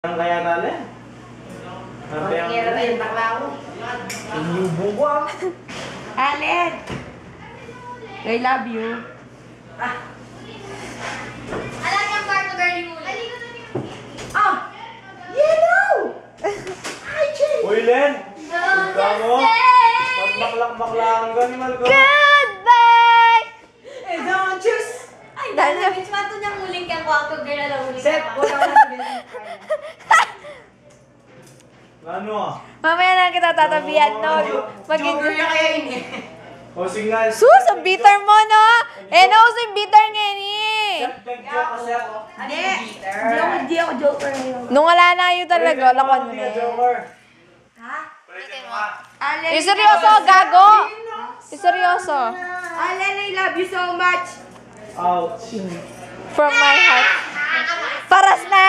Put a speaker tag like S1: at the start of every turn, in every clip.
S1: Ang kaya tali?
S2: Mangyara na yung baklaw.
S1: Inyubo ko ah.
S2: Allen! I love you.
S3: Alam niya ang kwarto girlie mo.
S2: Ah! Yellow! Hi, Jay!
S1: Uy, Len! Ika mo? Magmaklak-maklakan ka ni Malco.
S4: Goodbye!
S2: Eh, don't choose!
S3: Ay, dala, bitch. Mato niyang huling kang kwarto girl. Alam huling
S2: Sep,
S3: kang
S2: wala ka na sabihin.
S1: Ano ah?
S4: Mamaya na kita tatabihan, no?
S2: Joker na kaya yun eh.
S1: O, signal.
S4: Sus, ang bitter mo, no? Eh, nauso yung bitter ngayon eh.
S1: Nag-joke ka, Sep.
S2: Hindi ako joker ngayon.
S4: Nung wala na yun talaga, lakon mo na eh.
S1: Joker.
S2: Ha?
S1: Ulitin mo ah.
S2: Allen,
S4: Yung seryoso, gago! Yung seryoso.
S2: Allen, I love you so much.
S1: Ouch.
S4: From my heart. Paras na!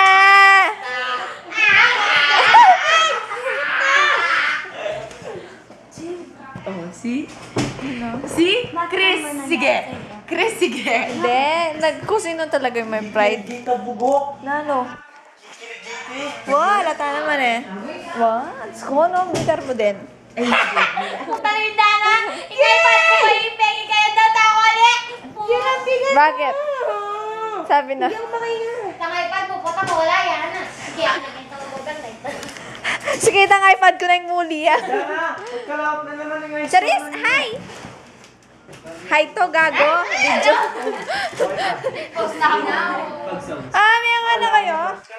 S2: Oh, see? See? Chris, sige. Chris, sige.
S4: Hindi, nagkusino talaga yung may pride.
S1: Hindi ka bugok.
S4: Na ano? Wow, lata naman eh. Wow, ko no, bitter mo din.
S3: Puta rin na. Ikaw pa ko yung pengi kaya tatawa ulit.
S4: Bakit? Sabi na.
S3: Tangay pa po. Puta ko wala yan. Sige, ako naging tawag na ito.
S4: Sige, itang iPad ko na yung muli ah.
S1: Yan na. Pagkalaot na naman yung
S4: Charis, hi! Hi to, gago. Video.
S3: Post na ako.
S4: Ah, may nga na kayo?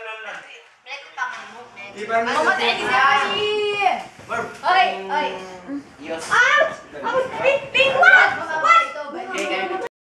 S1: Iba na.
S3: Mamatay ni Sashi. Oy, oy.
S1: Yes.
S3: Ouch! Ouch! Big, big, what? What?